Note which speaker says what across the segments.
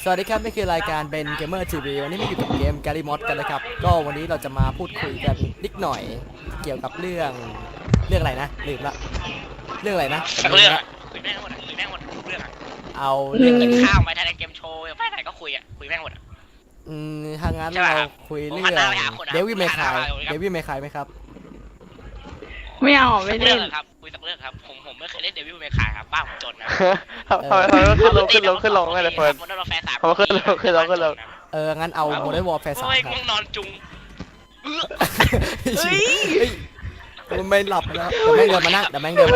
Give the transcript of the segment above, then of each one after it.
Speaker 1: สวัสดีครับนี่คือรายการเบนเกมเมอร์ทีวีวันนี้มาอยู่กับเกมแกลิมอดกันนะครับก็วันนี้เราจะมาพูดคุยกันนิดหน่อยเกี่ยวกับเรื่องอะไรนะลืมละเรื่องอะไรนะ
Speaker 2: เรื่องคุยแม่งหมดคุยแม่งหมดเรื่อง
Speaker 1: เอา
Speaker 2: เรื่องกินข้าวไปถ่ายเกมโชว์ไปไหนก็คุยคุยแม่งหมด
Speaker 1: ถ้างั้นเราคุยเรื่องเดวิดเมคายไหมครับ
Speaker 3: ไม่เอาไม่เล่น
Speaker 2: ครับคุยสักเรื่องครับผมไม่เคยเล่นเดวิดเมคายครับบ้าผมจนนะ
Speaker 4: ทำไมขึ้นลงไม่เลยเฟิร์นเขาขึ้นลง
Speaker 1: งั้นเอาโมเดลวอร์แฟร์3ครับ
Speaker 2: ง่วงนอนจุง
Speaker 1: มันไม่หลับแล้วเดี๋ยวแม่งเดินมานั่ง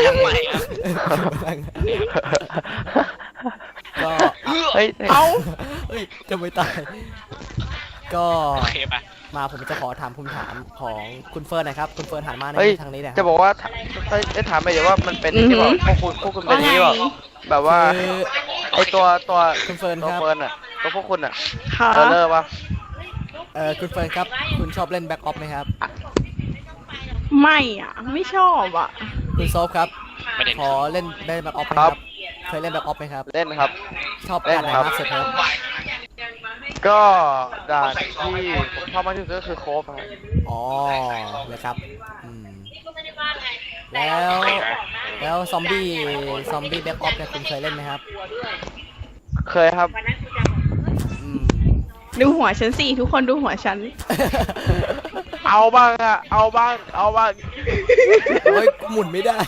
Speaker 1: ก็
Speaker 3: เอา
Speaker 1: จะไม่ตายก็
Speaker 2: โอเคปะ
Speaker 1: มาผมจะขอถามคำถามของคุณเฟิร์นนะครับคุณเฟิร์นหันมาในทางนี้นะ
Speaker 4: จะบอกว่าจะถามไปเดี๋ยวว่ามันเป็นที่บอกพวกคุณเป็นนี้แบบว่าไอตัว
Speaker 1: คุณเฟิร์นครับ
Speaker 4: ตัวพวกคุณอ่ะ
Speaker 3: เ
Speaker 4: ลิกปะ
Speaker 1: คุณเฟิร์นครับคุณชอบเล่นแบ็กออฟไหมครับ
Speaker 3: ไม่อ่ะไม่ชอบอ่ะ
Speaker 1: คุณโซฟครับขอเล่นแบ็กออฟไหมครับเคยเล่นแบ็กออฟไหมครับ
Speaker 4: เล่นครับ
Speaker 1: ชอบด่านไหนมากสุดครับ
Speaker 4: ก็ด่านที่ผมชอบมากที่สุดก็คือโคฟครับ
Speaker 1: อ๋อเลยครับแล้วซอมบี้แบ็กออฟเนี่ยคุณเคยเล่นไหมครับ
Speaker 4: เคยครับ
Speaker 3: ดูหัวฉันสิทุกคนดูหัวฉัน
Speaker 4: เอาบ้างโ
Speaker 1: อ้ยหมุนไม่ได้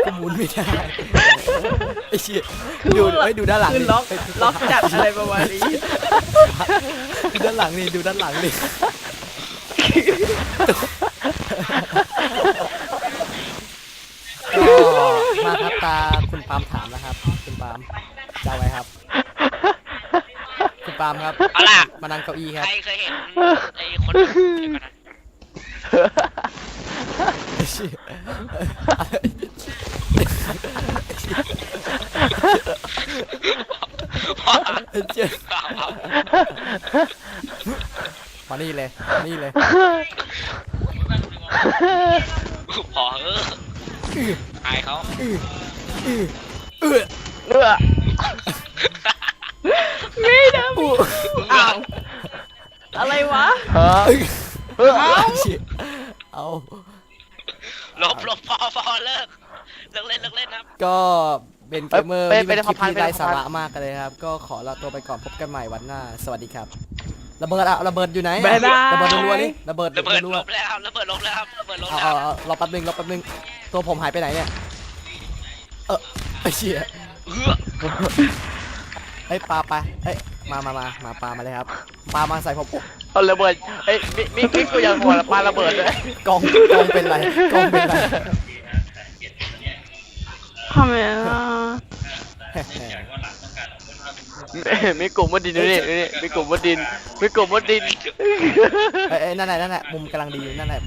Speaker 1: ไอ้เชี่ยดูด้านหลัง
Speaker 3: ล็อกจัดอะไรประมาณนี้
Speaker 1: ดูด้านหลังนี่ก็มาครับตาคุณปาล์มถามแล้วครับคุณปาล์มจะไว้ครับคุณปาล์มครับมานั่งเก้าอี้ครับ
Speaker 2: ใครเคยเห็นไอ้คน
Speaker 1: มานี่เลย
Speaker 2: พออายเขา
Speaker 3: ไม่ได้อ้าวอะไรวะ
Speaker 1: เอา
Speaker 2: ลบพอเลิกเล่นครับ
Speaker 1: ก็เป็นเกมเมอร์ที่เป็นคลิปที่ไร้สาระมากเลยครับก็ขอลาตัวไปก่อนพบกันใหม่วันหน้าสวัสดีครับระเบิดอยู่ไหนระเบิดรัวนี่ระเบิด
Speaker 2: ลบแล้วครับ
Speaker 1: รอแป๊บนึงตัวผมหายไปไหนเนี่ยไอ้เชี่ยปลาไปมาปลามาเลยครับปลามาใส่ผม
Speaker 4: เอาระเบิดมิกูยังหัวปลาระเบิดเลย
Speaker 1: กองเป็นไร
Speaker 3: ทำไม
Speaker 4: มีกลุ่มวัดดินนี่มีกลุ่มวัดดิน
Speaker 1: นั่นแหละมุมกำลังดีนั่นแหละ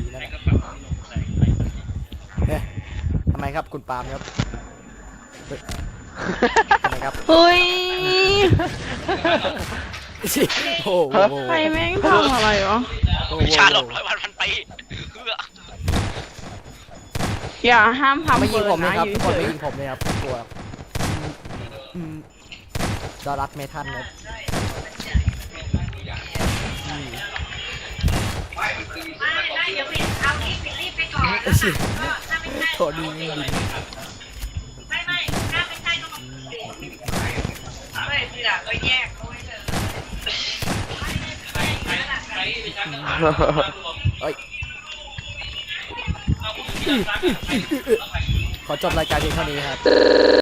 Speaker 1: เนี่ยทำไมครับคุณปาล์มครับทำไมครับ
Speaker 3: เฮ้ย
Speaker 1: โอ้
Speaker 3: ใครแม่งทำอะไรวะ
Speaker 2: ชาหลบ100 วันพันปี
Speaker 3: อย่าห้ามทำ
Speaker 1: ไม่ยิงผมนะครับทุกคนไม่ยิงผมเลยครับกลัวดอรัสเมทัลครับโถดีขอจบรายการเพียงเท่านี้ครับ